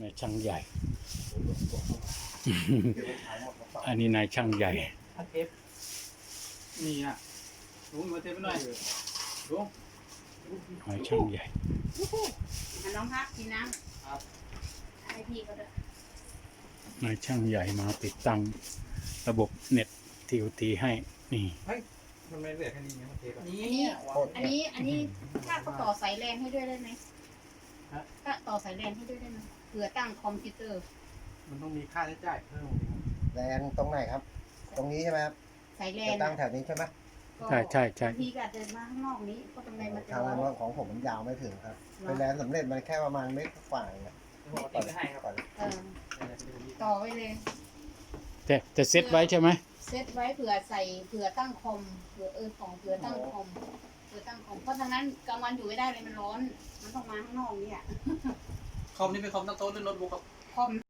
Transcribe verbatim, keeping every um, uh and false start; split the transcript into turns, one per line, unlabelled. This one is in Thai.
นายช่างใหญ่ อันนี้นายช่างใหญ่
อันเอฟนี่อ่ะลุงมาเทปหน่อยลุง
นายช่างใหญ่
อ่ะน้องพักกินน้ำครับให้พี่ก็ได้
นายช่างใหญ่มาติดตั้งระบบเน็ตทีโอทีให้นี่
มันไม่เหลือแค่นี้นะเทปนี่
อันนี้อันนี้ถ้าเขาต่อสายแลนให้ด้วยได้ไหมถ้าต่อสายแลนให้ด้วยได้ไหมเผื่อตั้งคอมพิวเตอร์
มันต้องมีค่าใช้จ่ายเพิ่ม
แลนตรงไหนครับ ตรงนี้ใช่ไหมครับ
สายแล
จะ
น
ตั้งแถวนี้ใช่ไหม
ใช่ใช่ใช่
บางทีก็อาจจะมาข้างนอกนี้เพราะตรงในมันจะ
ทาง
ร้
นั้
อน น
ของผมมันยาวไม่ถึงครับ เป็นแลนสำเร็จมันแค่ประมาณเมตรกว่าเองอะ
ผมเอาติดไปให้ครับ
ก่อน
เออต่อไว้เลย
แต่จะเซตไว้ใช่ไหม
เซตไว้เผื่อใส่เผื่อตั้งคอมเผื่อเออของเผื่อตั้งคอมเผื่อตั้งคอมเพราะทางนั้นกลางวันอยู่ไม่ได้เลยมันร้อน มันต้องมาข้างนอกเนี่ย
คอมนี่เป็นคอมตั้งโต๊ะหรือโน้ตบุ๊กครับ
คอม